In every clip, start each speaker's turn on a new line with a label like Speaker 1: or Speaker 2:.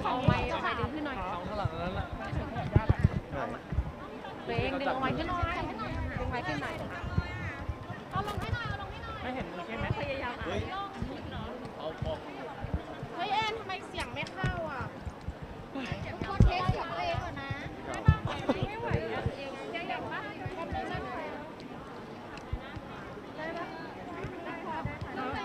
Speaker 1: เอาไม้ดึงขึ้นหน่อย
Speaker 2: ข้างหลังนั้นแหละ
Speaker 1: ตัวเองดึงเอาไม้ขึ้นหน่อยดึงไม้ขึ้นหน่อยเอาลงให้หน่อย
Speaker 2: ไม่เห็นมือใช่ไหม
Speaker 1: พยายาม
Speaker 2: เอาพอ
Speaker 1: เฮ้ยเอ็นทำไมเสียงไม่เข้าอ่ะก็เทสเสียงตัวเองก่อนนะไม่ไหวแล้วเองยังอยากว่าทำได้ไหมได้ปะได้ไหม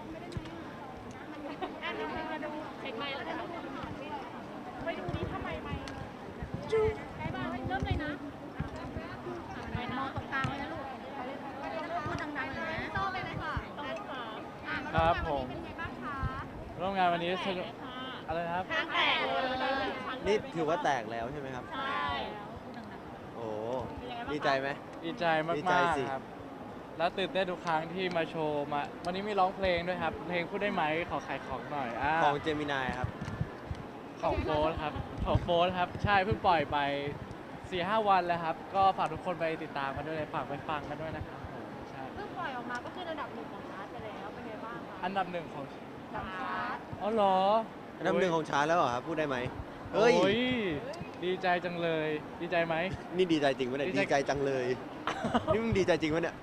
Speaker 1: อันนี้มาดูเช็คไมค์แล้วกันไปดูนี้ทำไมไมค์จูได้บ้างเริ่มเลยนะมองตรงกลางไว้นะลูกพูดดังๆเลยนะโซ่ไปเลยค่ะ
Speaker 2: ครับผม
Speaker 1: เป็นไงบ้างคะ
Speaker 2: ร่วมงานวันนี้สนุกอะไรนะครับ
Speaker 1: ทางแตกเลย
Speaker 3: นี่ถือว่าแตกแล้วใช่ไหมครับ
Speaker 1: ใช่
Speaker 3: โอ้ดีใจไหม
Speaker 2: ดีใจมา
Speaker 3: ดีใจ
Speaker 2: ก
Speaker 3: สิ
Speaker 2: ๆครับ แล้วตื่นเต้นทุกครั้งที่มาโชว์มา วันนี้มีร้องเพลงด้วยครับ เพลงพูดได้ไหมขอขายของหน่อย
Speaker 3: ของเจมินายครับ
Speaker 2: ของโฟร์ครับของโฟร์ครับ ใช่เพิ่งปล่อยไป 4-5 วันแล้วครับ ก็ฝากทุกคนไปติดตามกันด้วยฝากไปฟังกันด้วยนะครับผมใช่
Speaker 1: เพิ่งปล่อยออกมาก็คือระดับ1ของชาร์ตไปแล้วเป็นไงบ้างคะ
Speaker 2: อันดับหนึ่งของ
Speaker 1: ดับชาร์ต
Speaker 2: อ๋อเหรอ
Speaker 3: อันดับหนึ่งของชาร์ตแล้วเหรอครับ พูดได้ไหม
Speaker 2: โอ้ยดีใจจังเลย ดีใจไหม
Speaker 3: นี่ดีใจจริงปะเนี่ย
Speaker 2: ดีใจ
Speaker 3: ดีใจจังเลย นี่มึงดีใจจริงปะเนี่ย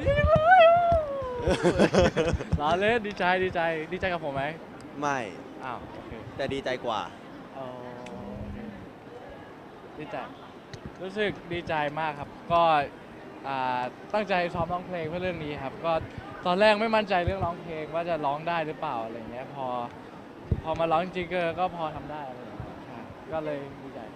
Speaker 2: ล้อเล่นดีใจดีใจกับผมไหม
Speaker 3: ไม่
Speaker 2: อ้าวโอเค
Speaker 3: แต่ดีใจกว่า
Speaker 2: อ๋อโอเคดีใจรู้สึกดีใจมากครับ ก็ตั้งใจซ้อมร้องเพลงเพื่อเรื่องนี้ครับ ก็ตอนแรกไม่มั่นใจเรื่องร้องเพลงว่าจะร้องได้หรือเปล่าอะไรเงี้ยพอมาร้องจริงก็พอทำได้อะไรอย่างเงี้ยใช่ก็เลยดีใจ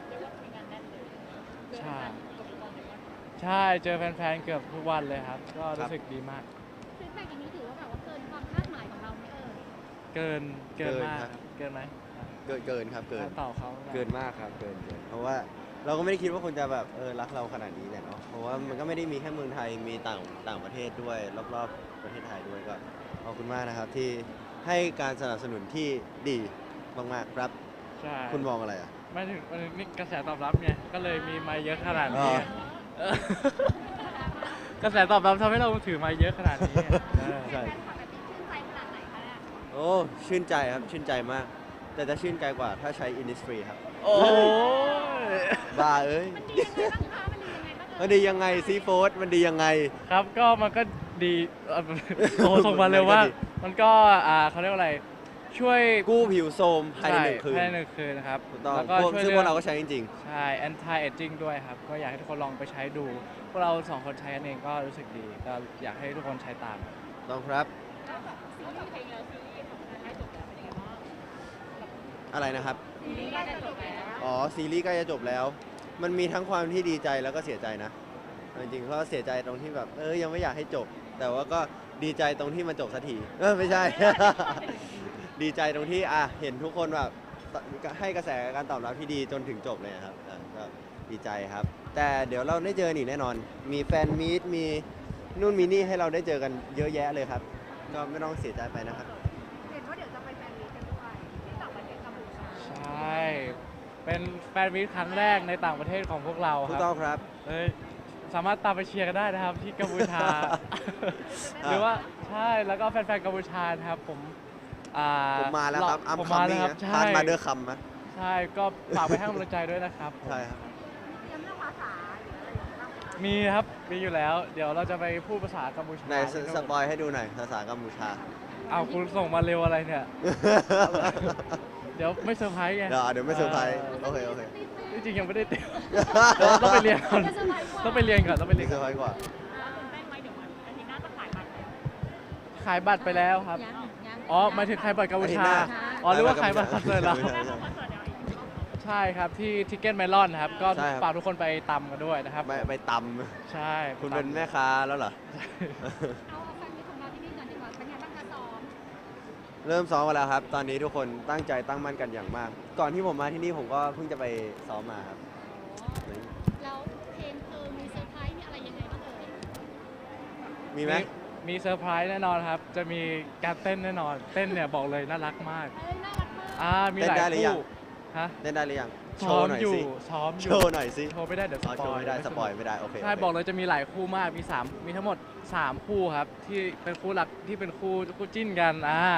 Speaker 2: ใช่ใช่เจอแฟนๆเกือบทุกวันเลยครับ ก็รู้สึกดีมาก
Speaker 1: ฟีดแบ็กอย่างนี้ถือว่าแบบว่าเกินความคาดหมายของเราไหม
Speaker 2: เกิน
Speaker 3: เกิน
Speaker 2: มาก
Speaker 3: ครับ
Speaker 2: ครับเกินไหม
Speaker 3: เกินครับ เกิน
Speaker 2: ต่อเขา
Speaker 3: เกินมากครับ เกิน เพราะว่าเราก็ไม่ได้คิดว่าคนจะแบบรักเราขนาดนี้แหละเนาะ เพราะว่ามันก็ไม่ได้มีแค่เมืองไทย มีต่างประเทศด้วยรอบๆประเทศไทยด้วยก็ขอบคุณมากนะครับที่ให้การสนับสนุนที่ดีมากๆครับ
Speaker 2: ใช่
Speaker 3: คุณมองอะไรอ่ะ
Speaker 2: ไม่ถึงนี่กระแสตอบรับไงก็เลยมีมาเยอะขนาดนี้
Speaker 3: อ๋อ
Speaker 2: เออกระแสตอบรับทำให้เราถือมาเยอะขนาดนี้ใช่
Speaker 1: แฟนคลับแบบนี้ชื่นใจขนาดไหนคะเนี่ย
Speaker 3: โอ้ชื่นใจครับ ชื่นใจมาก แต่จะชื่นใจกว่าถ้าใช้ Innisfree ครับ
Speaker 2: โอ้ย
Speaker 3: บ้าเอ้ย
Speaker 1: มันดียังไงบ้างคะมันดียังไงบ้าง
Speaker 3: มันดียังไงซีโฟสมันดียังไง
Speaker 2: ครับก็มันก็ดีโอ้ส่งมาเร็วว่ามันก็เขาเรียกว่าอะไรช่วย
Speaker 3: กู้ผิวโทรมภายในหนึ่งคืน
Speaker 2: ภายใน1 คืนนะครับ
Speaker 3: ถูกต้อง
Speaker 2: แล้วก็ช่วย
Speaker 3: ซึ่งพวกเราก็ใช้จริง
Speaker 2: ใช่ anti aging ด้วยครับ ก็อยากให้ทุกคนลองไปใช้ดูพวกเรา2 คนใช้กันเองก็รู้สึกดีก็อยากให้ทุกคนใช้ตาม
Speaker 3: ๆต้องครับ
Speaker 1: แล้วแบบซีรีส์เพลงแล้วซีรีส์ของการให้จบแล้วเป็นยังไงบ้าง
Speaker 3: อะไรนะครับ
Speaker 1: ซีรีส์ใกล้จะจบแล้ว
Speaker 3: อ๋อ ซีรีส์ใกล้จะจบแล้ว มันมีทั้งความที่ดีใจแล้วก็เสียใจนะ จริงๆก็เสียใจตรงที่แบบยังไม่อยากให้จบ แต่ว่าก็ดีใจตรงที่มันจบสักทีไม่ใช่ ดีใจตรงที่เห็นทุกคนแบบให้กระแสการตอบรับที่ดีจนถึงจบเลยครับก็ดีใจครับ แต่เดี๋ยวเราได้เจออีกแน่นอน มีแฟนมีตมีนู่นมีนี่ให้เราได้เจอกันเยอะแยะเลยครับ ก็ไม่ต้องเสียใจไปนะครับ
Speaker 1: เห็นว่าเดี๋ยวจะไปแฟนมีตกันด้วยที่ต่างประเทศกัมพูชา
Speaker 2: ใช่ เป็นแฟนมีตครั้งแรกในต่างประเทศของพวกเราค
Speaker 3: ถู
Speaker 2: รั
Speaker 3: ก
Speaker 2: บ
Speaker 3: ต้องครับ
Speaker 2: สามารถตามไปเชียร์กันได้นะครับที่กัมพูชา หรือว่าใช่แล้วก็แฟนๆกัมพูชานะครับผม
Speaker 3: มาแล้วครับอัม
Speaker 2: ผม
Speaker 3: คัม
Speaker 2: มาแล้ว
Speaker 3: มิ่ง
Speaker 2: ครับ
Speaker 3: นะ
Speaker 2: ใช่
Speaker 3: ทานมาเดอร์คัมนะ
Speaker 2: ใช่ก็ฝากไปให้กำลังใจด้วยนะครับผม
Speaker 3: ใช่ครับ
Speaker 1: เตรียมเรื่องภาษาหรืออะไรอย่างเงี้ยบ้างไหมคะ
Speaker 2: มีครับมีอยู่แล้ว เดี๋ยวเราจะไปพูดภาษากัมพูชา
Speaker 3: ไหนสปอยให้ดูหน่อยภาษากัมพูชา
Speaker 2: เอาคุณส่งมาเร็วอะไรเนี่ย เดี๋ยวไม่เซอร์ไพรส์ไง
Speaker 3: เดี๋ยวไม่เซอร์ไพรส์โอเค
Speaker 2: จริงๆยังไม่ได้เตรียมต้องไปเรียนก่อนต้องไปเรียนก่อนต้องไปเรีย
Speaker 3: นี่
Speaker 2: น
Speaker 3: เซอร์ไพรส์กว่า
Speaker 1: ตื่นเต้นไหมเดี๋ยววันอาทิตย์หน้าจะขายบัตรไหม
Speaker 2: ขายบัตรไปแล้วครับ
Speaker 1: ยัง
Speaker 2: อ๋อหมายถึงขายบัตรกัมพูชา
Speaker 3: อาทิตย์หน้า
Speaker 2: อ๋อหรือว่าขายบัตรคอนเสิร์ตเรา
Speaker 1: คอนเสิร์ตเดี๋ยวอีก
Speaker 2: ใช่ครับที่ทิกเก็ตเมลอนครับก็
Speaker 3: ใช่ครับ
Speaker 2: ฝากทุกคนไปตำกันด้วยนะครับ
Speaker 3: ไปต
Speaker 2: ใช่
Speaker 3: ำคุณเป็นแม่ค้าแล้วเหรอ
Speaker 1: เอาแฟนมีตของเราที่นี่ก่อนดีกว่าเป็นไงบ้างคะซ้อม
Speaker 3: เริ่มซ้อมมาแล้วครับ ตอนนี้ทุกคนตั้งใจตั้งมั่นกันอย่างมาก ก่อนที่ผมมาที่นี่ผมก็เพิ่งจะไปซ้อมมาครับ
Speaker 1: แล้วเพลงมีเซอร์ไพรส์มีอะไรยังไงบ้างเอ่ย
Speaker 3: มีไหม
Speaker 2: มีเซอร์ไพรส์แน่นอนครับ จะมีการเต้นแน่นอน เต้นเนี่ยบอกเลยน่ารักมาก
Speaker 1: น่ารักมาก
Speaker 2: มีหลาย
Speaker 3: เต้นได้หรือยั
Speaker 2: คู่
Speaker 3: ง
Speaker 2: ฮะ
Speaker 3: เล่นได้หรือยัง โช
Speaker 2: ซ้อ
Speaker 3: ว์
Speaker 2: ม
Speaker 3: หน่อย
Speaker 2: อยู่
Speaker 3: สิ
Speaker 2: ซ้อมอ
Speaker 3: โช
Speaker 2: ยู่
Speaker 3: ว์หน่อยสิ
Speaker 2: โชว์ไม่ได้เดี๋ยวส
Speaker 3: อ๋อ
Speaker 2: ป
Speaker 3: โช
Speaker 2: อ
Speaker 3: ว์
Speaker 2: ย
Speaker 3: ไม่ได้สปอยไม่ได้โอเค
Speaker 2: ใช่
Speaker 3: โอเค
Speaker 2: บอกเลยจะมีหลายคู่มากมีทั้งหมด3คู่ครับที่เป็นคู่หลักที่เป็นคู่จิ้นกัน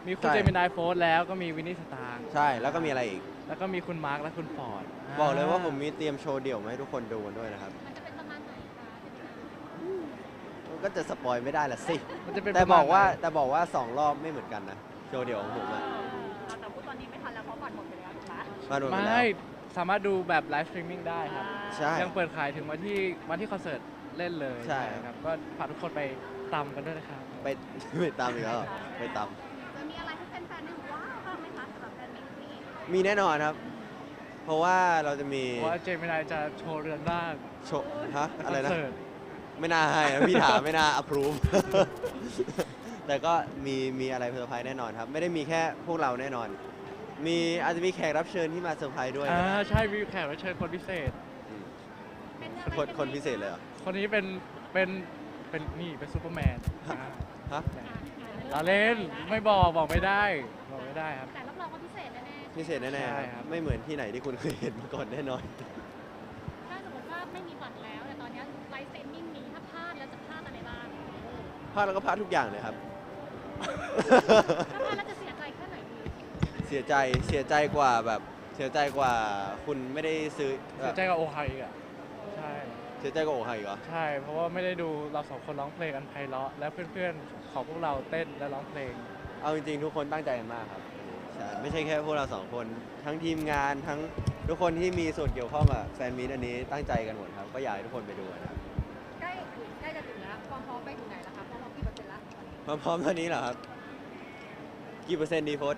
Speaker 2: มีคุณ
Speaker 3: ใช่
Speaker 2: เจมินายโฟร์แล้วก็มีวินนี่สตาร์
Speaker 3: ใช่แล้วก็มีอะไรอีก
Speaker 2: แล้วก็มีคุณมาร์คและคุณฟอร์ด
Speaker 3: บอกเลยว่าผมมีเตรียมโชว์เดี่ยวมาให้ทุกคนดูกันด้วยนะครับ
Speaker 1: มันจะเป็นประมาณไหนคะ
Speaker 3: มันก็จะสปอยไม่ได้ละสิ
Speaker 2: มันจะเป็น
Speaker 3: แต่
Speaker 2: ประมณ
Speaker 3: บอกว่า
Speaker 2: ไหน
Speaker 3: แต่บอกว่า2 รอบไม่เหมือนกันนะ โชว์เดี่ยวของผมอะ
Speaker 1: แต่พูดตอนนี้ไม่ทันแล้วเพราะบัตรหมดไปแล้วถูกไหม
Speaker 3: มาดูกันแล้ว
Speaker 2: ไม่สามารถดูแบบไลฟ์สตรีมมิ่งได้ครับ
Speaker 3: ใช่
Speaker 2: ยังเปิดขายถึงวันที่คอนเสิร์ตเล่นเลย
Speaker 3: ใช่
Speaker 2: ครับก็ฝากทุกคนไปตามกันด้วยนะครับ
Speaker 3: ไป ไปตามอีกแล้วเหรอไปตาม
Speaker 1: จะมีอะไรให้แฟนๆได้ว้าวบ้างไหมคะสำหรับแฟนมิตรนี้
Speaker 3: มีแน่นอนครับ เพราะว่าเราจะมี
Speaker 2: เพราะว่าเจมินายจะโชว์เรือนร่าง
Speaker 3: โชว์ฮะอะไรนะ
Speaker 2: คเสิร์ต
Speaker 3: ไม่น่าให้นะพี่ถามไม่น่า approve แต่ก็มีอะไรเซอร์ไพรส์แน่นอนครับ ไม่ได้มีแค่พวกเราแน่นอน อาจจะมีแขกรับเชิญที่มาเซอร์ไพรส์ด้วยนะ
Speaker 2: ใช่มีแขกรับเชิญคนพิเศษ
Speaker 1: เป็นอะไร
Speaker 3: คนพิเศษเลยเหรอ
Speaker 2: คนนี้เป็นนี่เป็นซูเปอร์แมน
Speaker 3: ฮะ
Speaker 2: เราเล่นไม่บอกไม่ได้ครับ
Speaker 1: แต่รับรองว่าพิเศษแน่
Speaker 3: พิเศษแน่
Speaker 2: ใช่
Speaker 3: ๆ
Speaker 2: ค
Speaker 3: ค
Speaker 2: รั
Speaker 3: รับ บไม่เหมือนที่ไหนที่คุณเคยเห็นมาก่อนแน่นอน
Speaker 1: ๆถ้าสมมติว่าไม่มีบัตรแล้วแต่ตอนนี้ไลฟ์สตรีมมิ่งมีถ้าพลาดแล้วจะพลาดอะไรบ้าง
Speaker 3: พลาดแล้วก็พลาดทุกอย่างเลยครับ
Speaker 1: ถ้าพลาดแล้วจะเสียใจแค่ไหนดี
Speaker 3: เสียใจกว่าแบบเสียใจกว่าคุณไม่ได้ซื้อ
Speaker 2: เสียใจกับโอไฮอีกอ่ะใช่
Speaker 3: เสียใจกว่าโอไฮอีกเหรอ
Speaker 2: ใช่ เพราะว่าไม่ได้ดูเราสองคนร้องเพลงกันไพเราะและเพื่อนๆของพวกเราเต้นและร้องเพลง
Speaker 3: เอาจริงๆทุกคนตั้งใจกันมากครับใช่ไม่ใช่แค่พวกเรา2 คนทั้งทีมงานทั้งทุกคนที่มีส่วนเกี่ยวข้องกับแฟนมีตอันนี้ตั้งใจกันหมดครับก็อยากให้ทุกคนไปดูนะครับ
Speaker 1: ใกล้จะถึงแล้วความพร้อมไปถึงไหนแล้วคะความพร้อมกี่เปอร์เซ็นต์แล้ว
Speaker 3: พร้อมๆเท่านี้เหรอครับกี่เปอร์เซ็นต์ดีโพส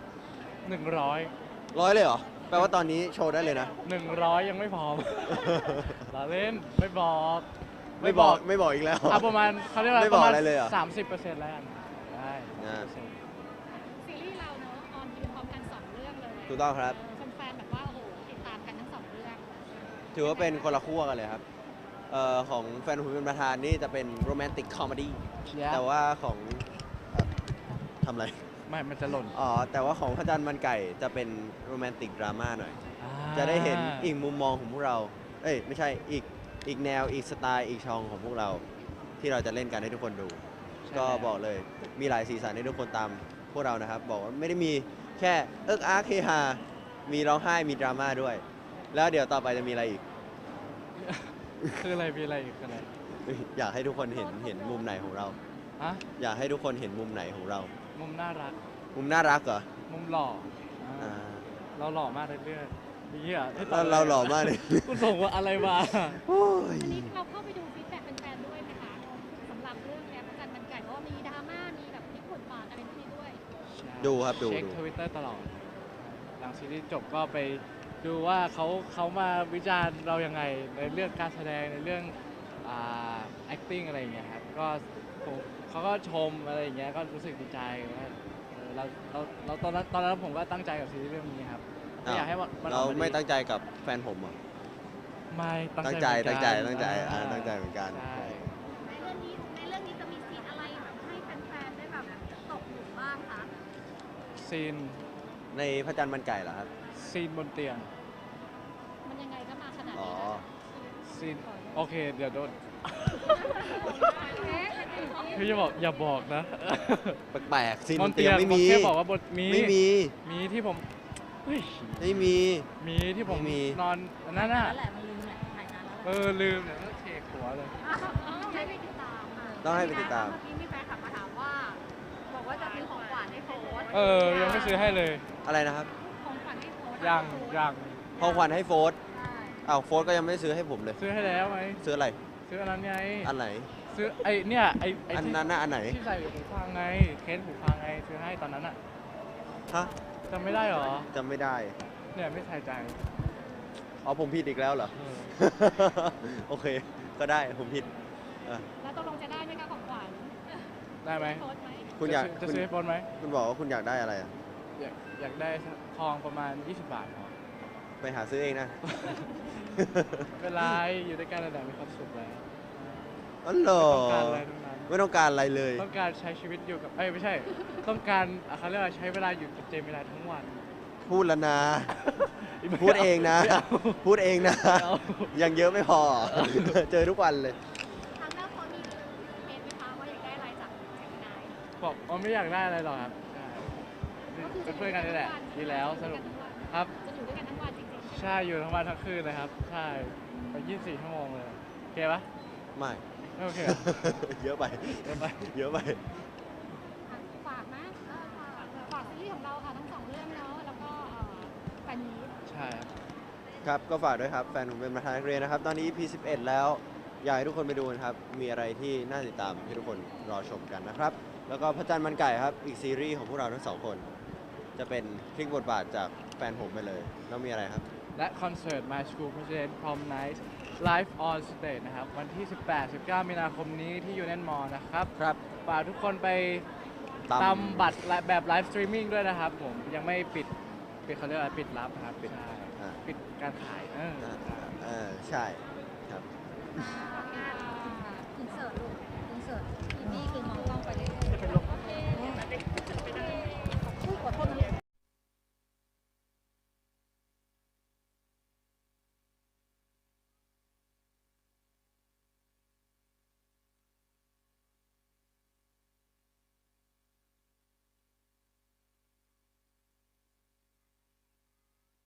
Speaker 2: 100
Speaker 3: 100เลยเหรอแปลว่าตอนนี้โชว์ได้เลยนะ
Speaker 2: 100ยังไม่พร้อม เราเล่นไม่บอก
Speaker 3: ไม่บอกอีกแล้ว
Speaker 2: ประมาณเขาเรียกว่า
Speaker 3: ไม่
Speaker 2: ป
Speaker 3: บอก
Speaker 2: ระมาณ
Speaker 3: อะไรเลยเหรอ
Speaker 2: 30%แล้วกันได้
Speaker 3: อ่า
Speaker 2: 30%
Speaker 1: ซีรีส์เราเนอะออนยืนพร้อมกัน2 เรื่องเลย
Speaker 3: ถูกต้องครับ
Speaker 1: แฟนๆแบบว่าโอ้โหติดตามกันทั้ง2 เรื่อง
Speaker 3: ถือว่าเป็นคนละขั้วกันเลยครับของแฟนผมเป็นประธานนี่จะเป็นโรแมนติกคอมเมดี้
Speaker 2: Yeah
Speaker 3: แต่ว่าของทำอะไร
Speaker 2: ไม่ มันจะหล่น
Speaker 3: อ๋อ แต่ว่าของพระจันทร์มันไก่จะเป็นโรแมนติกดราม่าหน่อย จะได้เห็นอีกมุมมองของพวกเรา เอ้ย ไม่ใช่อีกแนวอีกสไตล์อีกช่องของพวกเรา ที่เราจะเล่นกันให้ทุกคนดู
Speaker 2: ใช่
Speaker 3: ก็บอกเลยมีหลายสีสันให้ทุกคนตามพวกเรานะครับ บอกว่าไม่ได้มีแค่เอิกอาร์คเฮฮามีร้องไห้มีดราม่าด้วย แล้วเดี๋ยวต่อไปจะมีอะไรอีก
Speaker 2: คืออะไรมีอะไรอีกคืออะไร
Speaker 3: อยากให้ทุกคนเห็นมุมไหนของเรา
Speaker 2: ฮะ
Speaker 3: อยากให้ทุกคนเห็นมุมไหนของเรา
Speaker 2: มุมน่ารัก
Speaker 3: มุมน่ารักเหรอ
Speaker 2: มุมหล่อ
Speaker 3: อ่า
Speaker 2: เราหล่อมากเรื่อยๆนี่อ่ะให้ต
Speaker 3: เรา
Speaker 2: บ
Speaker 3: เราหล่อมากเลย
Speaker 2: คุณส่งว่าอะไรมา
Speaker 3: โอ้ย
Speaker 1: อันนี้เราเข้าไปดูฟีดแบ็กแฟนๆด้วยไหมคะสำหรับเรื่องเนี้ยพระจันทร์มันไก่เพราะว่ามีดราม่ามีแบบพลิกบทบาทอะไรพวกนี้ด้วย
Speaker 3: ดูครับดู
Speaker 2: เช็ค
Speaker 3: ดู
Speaker 2: ทวิตเตอร์ตลอด หลังซีรีส์จบก็ไปดูว่าเขามาวิจารณ์เรายังไงในเรื่องการแสดงในเรื่องacting อะไรอย่างเงี้ยครับก็เขาก็ชมอะไรอย่างเงี้ยก็รู้สึกดีใจว่าเราตอนนั้นผมก็ตั้งใจกับซีรีส์เรื่องนี้ครับไม่อยากให้มันอ
Speaker 3: เรา
Speaker 2: อกมาดี
Speaker 3: ไม่ตั้งใจกับแฟนผมเหรอ
Speaker 2: ไม่ตั้ง
Speaker 3: ตั้ง
Speaker 2: ใจ
Speaker 3: ใจ
Speaker 2: เหมือนกัน
Speaker 3: ตั้งใจเหมือนกัน
Speaker 2: ใช่
Speaker 1: ในเรื่องนี้จะมีซีนอะไรแบบให้แฟนๆได้แบบตกหลุมบ้างคะ
Speaker 2: ซีน
Speaker 3: ในพระจันทร์มันไก่เหรอครับ
Speaker 2: ซีนบนเตียง
Speaker 1: มันยังไงก็มาขนาด
Speaker 3: อ๋อ
Speaker 1: นี้
Speaker 2: ซีนโอเคเดี๋ยวโดน
Speaker 1: เอ๊ะ
Speaker 2: พี่จะบอกอย่าบอกนะ
Speaker 3: แปลกๆซีน
Speaker 2: บบ น
Speaker 3: น
Speaker 2: เตี
Speaker 3: เตี
Speaker 2: ย
Speaker 3: ย
Speaker 2: ง
Speaker 3: งไม่มี
Speaker 2: แค่บอกว่าบนมี
Speaker 3: ไม่มี
Speaker 2: มีที่ผมเฮ้ย
Speaker 3: ไม่มี
Speaker 2: มีที่ผม
Speaker 3: ไม่มี
Speaker 2: นอนอันนั้นน่ะ
Speaker 1: นั่นแหละมันลืมแหละถ่ายนานแล้ว
Speaker 2: ลืมเนี่ยก็เทหัวเลย
Speaker 1: ให้ไปติดตามค่ะ
Speaker 3: ต้องให้ไปติดตาม
Speaker 1: เมื่อกี้มีแฟนคลับมาถามว่า บอกว่าจะซื้อของขวัญให้โฟร์
Speaker 2: ยังไม่ซื้อให้เลย
Speaker 3: อะไรนะครับ
Speaker 1: ของขวัญให้โฟร์
Speaker 2: ยัง
Speaker 3: ของขวัญให้โฟร์ธ
Speaker 1: ใช่
Speaker 3: อ้าวโฟร์ธก็ยังไม่ได้ซื้อให้ผมเลย
Speaker 2: ซื้อให้แล้วไหม
Speaker 3: ซื้ออะไร
Speaker 2: ซื้ออันนั้นไง
Speaker 3: อันไหน
Speaker 2: ซื้อไอ้เนี่ยไอ้
Speaker 3: อัน
Speaker 2: ที่
Speaker 3: นั้นน่ะอันไหน
Speaker 2: ที่ใส่หูฟังไงเคสหูฟังไงซื้อให้ตอนนั้นอ่ะ
Speaker 3: ฮะ
Speaker 2: จำไม่ได้เหรอ
Speaker 3: จำไม่ได้
Speaker 2: เนี่ยไม่ใส่ใจ
Speaker 3: อ๋อผมผิดอีกแล้วเหรอ
Speaker 2: เออ
Speaker 3: โอเค ก็ได้ผมผิดอ่ะ
Speaker 1: แล้วตกลงจะได้ไหมคะของขวัญ
Speaker 2: ได้ไหม
Speaker 1: โพสต์ไหม
Speaker 3: คุณอยาก
Speaker 2: จะ
Speaker 3: คุณ
Speaker 2: ซื้อให้ปนไหม
Speaker 3: คุณบอกว่าคุณอยากได้อะไรอ่ะ
Speaker 2: อยากได้ทองประมาณ 20 บาทพอ
Speaker 3: ไปหาซื้อเองนะ
Speaker 2: ไม่เป็นไรอยู่ด้วยกันระดับมีความสุขแล้ว
Speaker 3: อ๋อเหรอ
Speaker 2: ต้องการอะไรทั้งนั้น
Speaker 3: ไม่ต้องการอะไรเลย
Speaker 2: ต้องการใช้ชีวิตอยู่กับไม่ใช่ ต้องการเขาเรียกว่าใช้เวลาอยู่กับเจมินายทั้งวัน
Speaker 3: พูดแล้วนะ
Speaker 2: ไม่
Speaker 3: พูดเองนะ
Speaker 2: ไม่า
Speaker 3: พูดเองนะ
Speaker 2: ไม่เอา
Speaker 3: ยังเยอะไม่พอ เจอทุกวันเลย
Speaker 1: ทางหน้าโพสต์มีเมนไหมคะว่าอยากได้อะไรจากเจมินาย
Speaker 2: บอกว่าไม่อยากได้อะไรหรอกครับใช่เป็นเพื่อนกันนี่แหละดีแล้วสนุกครับ
Speaker 1: จะอยู่ด้วยกันทั้งวันจริงๆ
Speaker 2: ใช่อยู่ทั้งวันทั้งคืนเลยครับ ใช่ไป24 ชั่วโมงเลยโอเคปะ
Speaker 3: ไม่
Speaker 2: ไม่โอเคเหรอ
Speaker 3: เยอะไป
Speaker 2: เดี๋ยวไป
Speaker 3: เยอะไป
Speaker 1: ฝากนะฝากซีรีส์ของเราค่ะทั้งสองเรื่องเนาะแล้วก็แฟนมีต
Speaker 2: ใช่ครับ
Speaker 3: ครับ ก็ฝากด้วยครับ แฟนผมเป็นประธานนักเรียนนะครับ ตอนนี้ EP 11 แล้ว อยากให้ทุกคนไปดูกันครับ มีอะไรที่น่าติดตามให้ทุกคนรอชมกันนะครับ แล้วก็พระจันทร์มันไก่ครับ อีกซีรีส์ของพวกเราทั้งสองคน จะเป็นพลิกบทบาทจากแฟนผมไปเลย แล้วมีอะไรครับ
Speaker 2: และคอนเสิร์ต My School President Prom Night Live on Stage นะครับ วันที่ 18-19 มีนาคมนี้ที่ยูเน m มอลนะครับ
Speaker 3: ครับ
Speaker 2: ฝากทุกคนไปตามบัตรแบบไลฟ์สตรีมมิ่งด้วยนะครับ ผมยังไม่ปิดเขาเรียกอะไรปิดรับนะครับใช่
Speaker 3: อ่า
Speaker 2: ปิดการขาย
Speaker 3: ใช่ครับ
Speaker 1: ฝากงาน